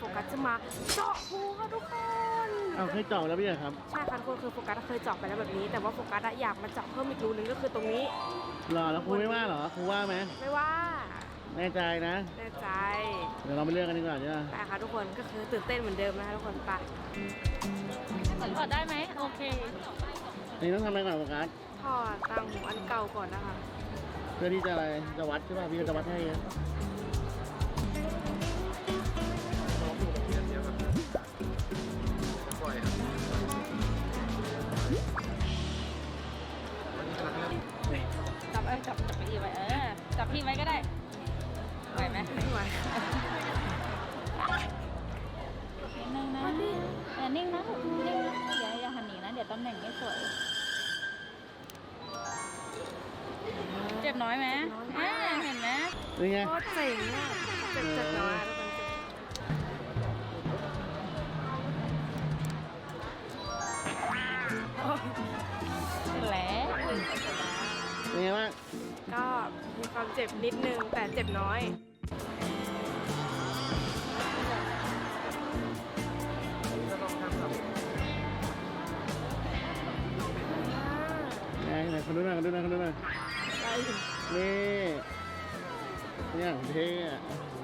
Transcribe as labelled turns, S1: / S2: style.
S1: กัสจะมาเจาะหูค่ะทุกคน
S2: เอาเคยเจาะแล้วพี่เหรอครับ
S1: ใช่ค่ะทุกคนคือโฟกัสเคยเจาะไปแล้วแบบนี้ แต่ว่าโฟกัสอยากมาเจาะเพิ่มอีกรูนึงก็คือตรงนี้
S2: รอแล้วครูไม่ว่าเหรอครูว่าไหม
S1: ไม่ว่า
S2: แน่ใจนะ
S1: แน่ใจ
S2: เดี๋ยวเราไปเลือกกันดีกว่าใช่ไหม
S1: ไปค่ะทุกคนก็คือตื่นเต้นเหมือนเดิมนะคะทุกคนไป
S3: ถอดได้ไหมโอเค
S2: นี่ต้องทำอะไรก่อนโฟกัส
S1: ถอดต่างหูอันเก่าก่อนนะคะ
S2: เพื่อที่จะอะไรจะวัดใช่ป่ะพี่ก็จะวัดให้นะ
S3: จับจับไปอีไว้จับพี่ไว้ก็ได้ไหวไหม
S1: ไม่ไหว
S3: นิดนึงนะนิ่งนะนิ่งนะอย่าหันหนีนะเดี๋ยวตำแหน่งไม่สวยเจ็บน้อยไหมเห็นไหม
S2: นี่ไง
S1: โคตรเจ๋งอ่ะเจ็บน้อยทุกคนเจ็บ
S3: แล้ว
S2: เป็นไงบ้าง
S1: ก็มีความเจ็บนิดนึงแต่เจ็บน้อย
S2: ไหนคนดูหน่อยคนดูหน่อยคนดูหน่อยนี่เนี่ยเท่อะ